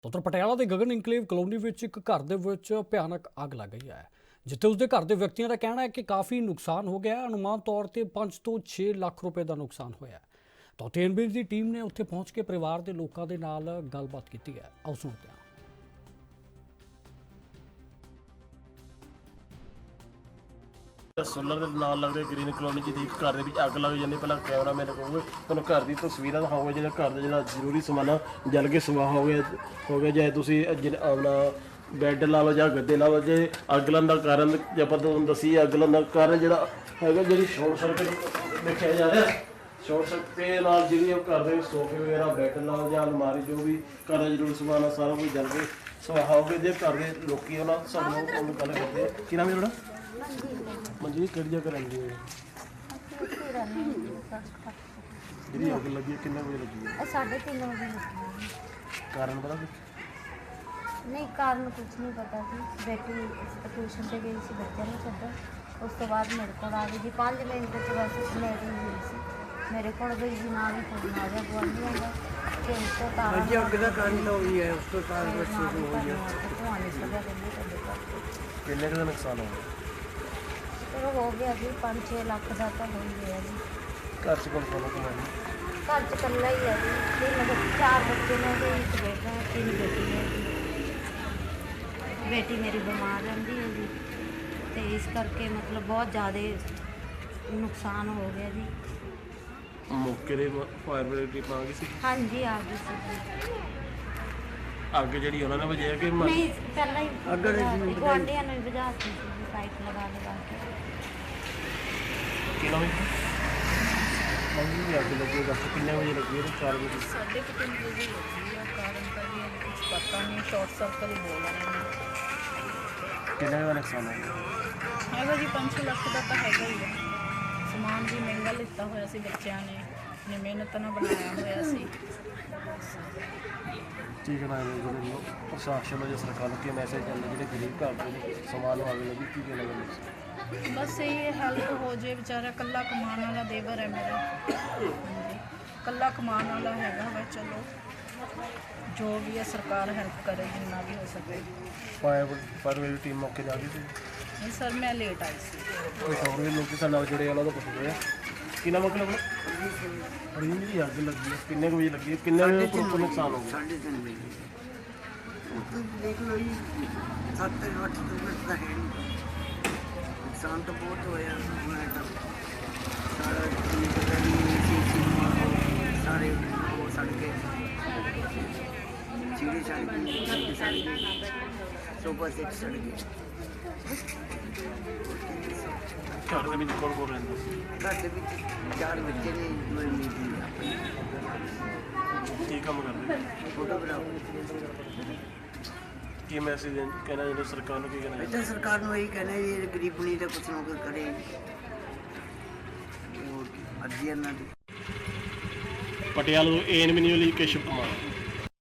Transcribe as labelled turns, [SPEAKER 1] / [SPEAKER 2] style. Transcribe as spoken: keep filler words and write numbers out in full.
[SPEAKER 1] ਉੱਤਰ ਪਟਿਆਲਾ ਦੇ Gagan enclave colony ਵਿੱਚ ਇੱਕ ਘਰ ਦੇ ਵਿੱਚ ਭਿਆਨਕ ਅੱਗ ਲੱਗ ਗਈ ਹੈ, ਜਿੱਥੇ ਉਸਦੇ ਘਰ ਦੇ ਵਿਅਕਤੀਆਂ ਦਾ ਕਹਿਣਾ ਹੈ ਕਿ ਕਾਫੀ ਨੁਕਸਾਨ ਹੋ ਗਿਆ ਹੈ। ਅਨੁਮਾਨ ਤੌਰ ਤੇ ਪੰਜ ਤੋਂ ਛੇ ਲੱਖ ਰੁਪਏ ਦਾ ਨੁਕਸਾਨ ਹੋਇਆ ਹੈ। ਤਾਂ ਟੀਐਨਬੀ ਦੀ ਟੀਮ ਨੇ ਉੱਥੇ ਪਹੁੰਚ ਕੇ ਪਰਿਵਾਰ ਦੇ ਲੋਕਾਂ ਦੇ ਨਾਲ ਗੱਲਬਾਤ ਕੀਤੀ ਹੈ। ਆਓ ਸੁਣਦੇ ਹਾਂ।
[SPEAKER 2] सोलर के नाल लगते ग्रीन कलोनी जी घर के अग लग जाती। पहला कैमरा मेरे को तुम घर की तस्वीर दिखाओगे जो घर का जो जरूरी समान जल के सवाह हो गया हो गया चाहे तुम अपना बैड ला लो या गद्दे ला लो। जो अग लगन का कारण जो आप दसी अग लगन का कारण जो है जी शॉर्ट सर्किट देखा जा रहा है। शॉर्ट सर्किट जी घर के सोफे वगैरह बैड ला लो या अलमारी जो भी घर का जरूरी समान है सारा कुछ जल के सवाह हो गया। जो घर के लोग सामने गल करते हैं कि नाम है थोड़ा मंजी कि जगह रही है जी अग लगी किन्ने बजे लगी है?
[SPEAKER 3] साढ़े तीन बजे लगी।
[SPEAKER 2] कारण पता कुछ
[SPEAKER 3] नहीं, कारण कुछ नहीं पता सी। बेटी ट्यूशन से गई सी, बच्चे ने छड्डा। उस तो बाद मेरे को आ गई जी पाँच मिनट तो बस मेरी हुई सी। मेरे को गई जी ना भी फोन आ गया गुआंढियों का कि उसको तारा
[SPEAKER 4] जी अग का कारण तो हुई है, उसको कारण बच्चे को हो गया।
[SPEAKER 3] धुआं निकल गया।
[SPEAKER 2] किन्ने का नुकसान हो गया?
[SPEAKER 3] चलो हो गया जी पाँच छे लाख का तो हो ही गया जी।
[SPEAKER 2] घर से कौन कौन कमाई?
[SPEAKER 3] घर च कल्ला ही है जी। तीन बच्चे चार बच्चे ने जी, एक बेटा है, तीन बेटी है जी। बेटी मेरी बीमार रहती है जी, तो इस करके मतलब बहुत ज़्यादा नुकसान हो गया जी।
[SPEAKER 2] मौके ਦੇ ਫਾਇਰ ਬ੍ਰਿਗੇਡ ਦੀ ਪਾਂਗੀ ਸੀ।
[SPEAKER 3] हाँ जी आ गई सी।
[SPEAKER 2] ਅੱਗ ਜਿਹੜੀ ਉਹਨਾਂ ਨੇ ਵਜਾਇਆ ਕਿ
[SPEAKER 3] नहीं पहले
[SPEAKER 4] अगर
[SPEAKER 3] ही गुआंढियों ने बुझा दी थी जी, पाइप लगा लगा के।
[SPEAKER 2] ਕਿਹਨਾਂ ਵਿੱਚ ਮੰਗੀ ਦੀ ਅੱਗ ਲੱਗੀ ਦੱਸ ਕਿੰਨੇ ਵਜੇ ਲੱਗੀ ਹੈ? ਚਾਰ ਵਜੇ।
[SPEAKER 5] साढ़े के तीन बजे लगी है। कारण का भी अभी कुछ पता नहीं, शॉर्ट सर्कल ही बोल रहे हैं।
[SPEAKER 2] ਕਿੰਨੇ ਦਾ ਨੁਕਸਾਨ ਹੋ ਗਿਆ?
[SPEAKER 5] हैगा जी पाँच छे लख का तो हैगा ही है। समान भी महंगा लिता होया सी, बच्चों ने अपनी मेहनत ना बनाया होया सी।
[SPEAKER 2] ਕੀ ਕਹਿਣਾ ਹੈ ਜਿਹੜੇ ਪ੍ਰਸ਼ਾਸਨ ਨੂੰ ਜਾਂ ਸਰਕਾਰ ਨੂੰ ਕੀ ਮੈਸੇਜ ਚੱਲਦਾ ਜਿਹੜੇ ਗਰੀਬ ਘਰ ਦੇ ਸਮਾਨ ਨੂੰ ਅੱਗ ਲੱਗੀ ਕੀ ਕਹਿਣਾ ਚਾਹੁੰਦੇ?
[SPEAKER 5] बस यही हेल्प हो जाए। बेचारा कल्ला कमान वाला देवर है मेरा। हाँ जी कल्ला कमान वाला हैगा वा। चलो जो भी है सरकार हेल्प करे जितना भी हो सके।
[SPEAKER 2] ਫਾਇਰ ਫਾਇਰ ਬ੍ਰਿਗੇਡ ਟੀਮ ਮੌਕੇ ਜਾ ਗਈ ਸੀ।
[SPEAKER 5] नहीं सर मैं लेट आई सी।
[SPEAKER 2] ਕੋਈ ਹੋਰ ਵੀ ਲੋਕ ਸਾਡੇ ਨਾਲ ਜਿਹੜੇ ਉਹਨਾਂ ਦਾ ਪੁੱਛਦੇ ਆ ਕਿੰਨਾ ਮਤਲਬ ਅੜੀ ਜਿਹੜੀ ਅੱਗ ਲੱਗੀ ਹੈ ਕਿੰਨੇ ਕੁ ਵਜੇ ਲੱਗੀ ਹੈ? ਕਿੰਨੇ ਕੁ ਪ੍ਰੋਪਰ ਨੁਕਸਾਨ ਹੋ ਗਿਆ?
[SPEAKER 4] साढ़े तीन बजे तो देख लो जी सत्त अठ तो मिनट का है नहीं। नुकसान तो बहुत होया। मैं तो सारा सारे वो सड़ के चीड़ी सड़ गई, सड़ गई, सोफा सेट सड़ गए।
[SPEAKER 2] ਘਰ ਦੇ ਵਿੱਚ ਕੌਣ ਕੌਣ ਰਹਿੰਦਾ ਸੀ?
[SPEAKER 4] घर के विच चार बच्चे ने मैं मीटिंग
[SPEAKER 2] ਕੀ ਕੰਮ ਕਰਦੇ?
[SPEAKER 4] फोटोग्राफर।
[SPEAKER 2] ਕੀ ਮੈਸੇਜ ਕਹਿਣਾ ਜਿਹੜਾ ਸਰਕਾਰ ਨੂੰ ਕੀ ਕਹਿਣਾ ਚਾਹੁੰਦੇ?
[SPEAKER 4] ਇੱਥੇ ਸਰਕਾਰ ਨੂੰ ਇਹੀ ਕਹਿਣਾ ਜੀ ਇਹ ਗਰੀਬ ਨਹੀਂ ਤਾਂ ਕੁਛ ਨਾ ਕੁਛ ਕਰੇ। ਹੋਰ ਕੀ ਅਰਜ਼ੀ ਇਹਨਾਂ ਦੀ।
[SPEAKER 2] ਪਟਿਆਲਾ ਤੋਂ ਏਐਨਬੀ ਨਿਊਜ਼ ਲਈ ਕੇਸ਼ਵ ਕੁਮਾਰ।